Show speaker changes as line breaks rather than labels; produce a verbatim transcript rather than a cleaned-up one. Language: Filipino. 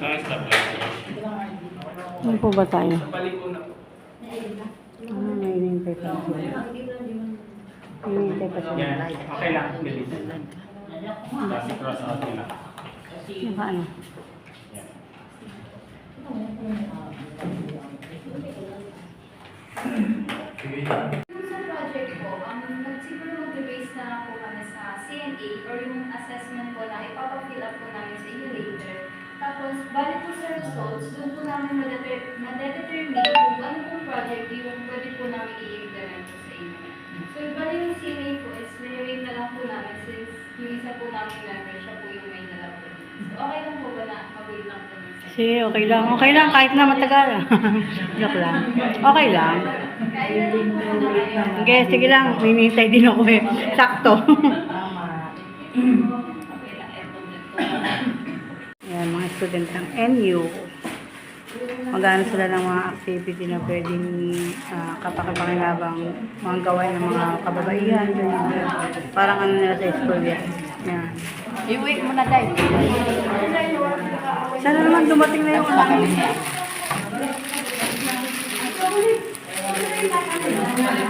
Ano po ba tayo?
Sa paliko na po.
Ah, may hinihintay pa sila. Hinihintay pa sila.
Yan. Okay lang. Bilis. Basi cross out nila.
Naka ano?
Yan.
Sa project ko, um, siguro mag-base na lang po kami sa C N A or yung assessment po na ipapafill up po namin sa inyo later. Tapos, balik po sa results, doon po namin madeter- madedetermine kung ano pong project yung pwede po namin i-implement po sa inyo. So, balik yung C N A po is nire-rate na lang po namin since yung isa po namin member, siya po yung may nalap po. So, okay lang po ba na mag-wait lang po yung
Sige, okay lang. Okay lang, kahit na matagal. Joke lang. Okay lang.
Kaya lang po na kayo.
Okay, sige lang. Hinihintay din ako eh. Sakto. Ayan, mga student ng N U. Magano sila ng mga activity na pwedeng uh, kapakipakinabang mga gawain ng mga kababaihan. Ganyan. Parang ano nila sa school yan. Yan.
I-wait mo na tayo.
Sana naman dumating na yung ano.